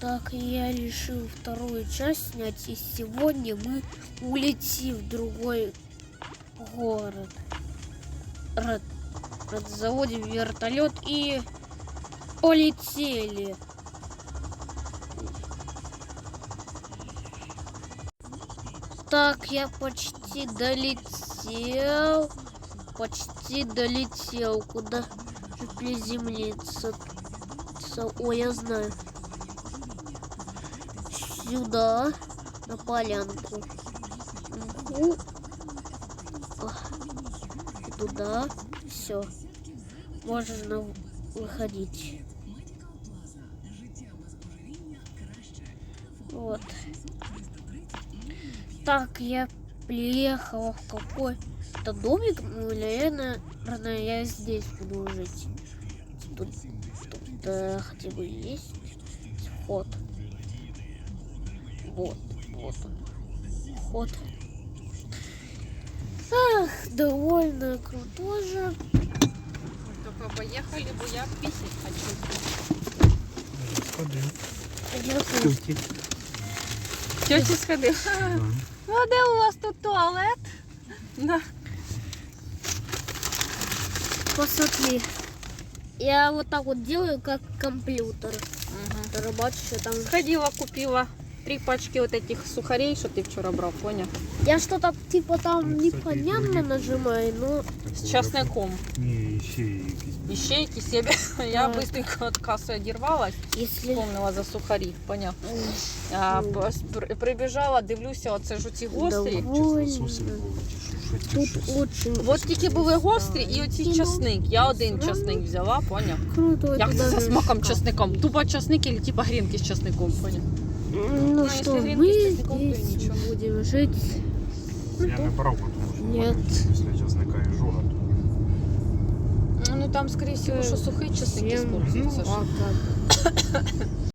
Так, я решил вторую часть снять, и сегодня мы улетим в другой город. Заводим вертолет и полетели. Так, я почти долетел. Куда же приземлиться? Ой, я знаю. Сюда, на полянку. И туда. Все. Можно выходить. Вот. Так, я приехала в какой-то домик. Ну, наверное, я здесь буду жить. Тут хотя бы есть вход. Вот он. Вход. Ах, довольно круто же. Только поехали, бо я писать хочу. Сходив. Тьоті сходив. Ну, а де у вас тут туалет? Да. Посмотри. Я вот так вот делаю, как компьютер. Рыбачу, что там. Сходила, купила 3 пачки вот этих сухарей, что ты вчера брал, понял? Я что-то типа там Ну, кстати, непонятно другие. нажимаю, но С часником. Ні, ще якісь. Ищейки себе. Я Да. быстренько от кассы одервалась, если... вспомнила за сухари, понял? Прибіжала, дивлюся, оце ж оці гострі. Довольно. Лососи були, чи що Тут щось. очень... От тільки були гострі і оці часник. Я один часник взяла, поняв? Круто. Як это це за даже смаком шкаф. часником? Тупо часник или типа грінки з часником, поняв? Ну если что, гренки мы с чесноком, то здесь ничего. будем жить. Я не брав, тому що Нет. після часника і жога. Ну там, скорее всего, що сухий часник Всем используется. пока.